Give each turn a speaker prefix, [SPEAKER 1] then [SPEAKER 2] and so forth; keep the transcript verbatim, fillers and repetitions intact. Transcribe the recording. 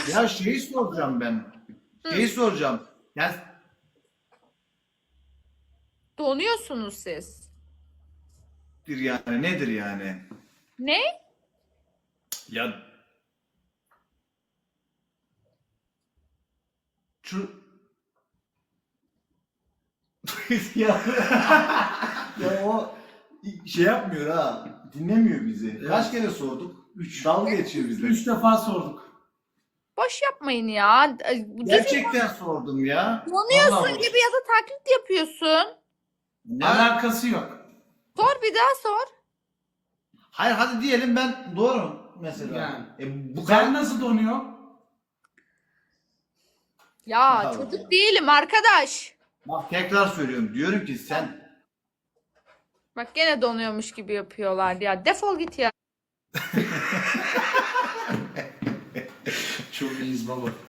[SPEAKER 1] Ya şeyi soracağım ben. Şeyi soracağım. Ya
[SPEAKER 2] Donuyorsunuz siz.
[SPEAKER 1] nedir yani nedir yani?
[SPEAKER 2] Ne?
[SPEAKER 1] Ya şu ya, ya o şey yapmıyor ha. Dinlemiyor bizi. Kaç kere sorduk? Üç. Dalga geçiyor bizle.
[SPEAKER 3] Üç defa sorduk.
[SPEAKER 2] Boş yapmayın ya. Düzgün
[SPEAKER 1] Gerçekten sordum ya.
[SPEAKER 2] donuyorsun
[SPEAKER 1] Vallahi
[SPEAKER 2] gibi ya da taklit yapıyorsun.
[SPEAKER 1] Ne?
[SPEAKER 3] Alakası yok.
[SPEAKER 2] Sor bir daha sor.
[SPEAKER 1] Hayır hadi diyelim ben doğru mesela.
[SPEAKER 3] Yani.
[SPEAKER 1] E, bu
[SPEAKER 3] Sen
[SPEAKER 1] kadar
[SPEAKER 3] nasıl donuyor?
[SPEAKER 2] Ya
[SPEAKER 1] Allah
[SPEAKER 2] çocuk
[SPEAKER 1] Allah.
[SPEAKER 2] değilim arkadaş.
[SPEAKER 1] Bak tekrar söylüyorum. Diyorum ki sen
[SPEAKER 2] Bak gene donuyormuş gibi yapıyorlar ya. Defol git ya.
[SPEAKER 3] Çok iyiyiz baba.